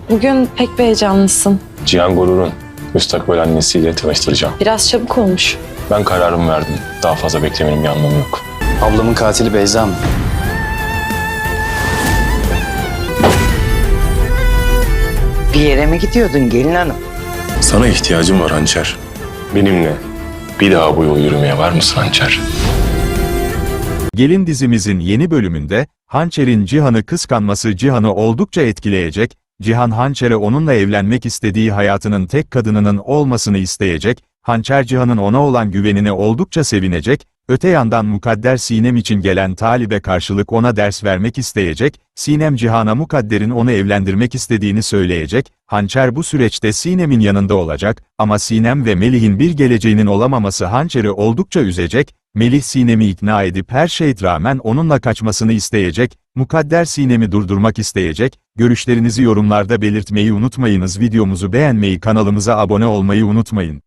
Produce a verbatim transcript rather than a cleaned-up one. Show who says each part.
Speaker 1: Bugün pek bir heyecanlısın.
Speaker 2: Cihan Gurur'un müstakbel annesiyle tanıştıracağım.
Speaker 1: Biraz çabuk olmuş.
Speaker 2: Ben kararımı verdim. Daha fazla beklemenin bir anlamı yok.
Speaker 3: Ablamın katili Beyza mı?
Speaker 4: Bir yere mi gidiyordun gelin hanım?
Speaker 2: Sana ihtiyacım var Hançer. Benimle bir daha bu yolu yürümeye var mısın Hançer?
Speaker 5: Gelin dizimizin yeni bölümünde, Hançer'in Cihan'ı kıskanması Cihan'ı oldukça etkileyecek, Cihan Hançer'e onunla evlenmek istediği hayatının tek kadınının olmasını isteyecek, Hançer Cihan'ın ona olan güvenine oldukça sevinecek, öte yandan mukadder Sinem için gelen talibe karşılık ona ders vermek isteyecek, Sinem Cihan'a mukadderin onu evlendirmek istediğini söyleyecek, Hançer bu süreçte Sinem'in yanında olacak, ama Sinem ve Melih'in bir geleceğinin olamaması Hançer'i oldukça üzecek, Melih Sinem'i ikna edip her şeye rağmen onunla kaçmasını isteyecek, mukadder Sinem'i durdurmak isteyecek, görüşlerinizi yorumlarda belirtmeyi unutmayınız, videomuzu beğenmeyi, kanalımıza abone olmayı unutmayın.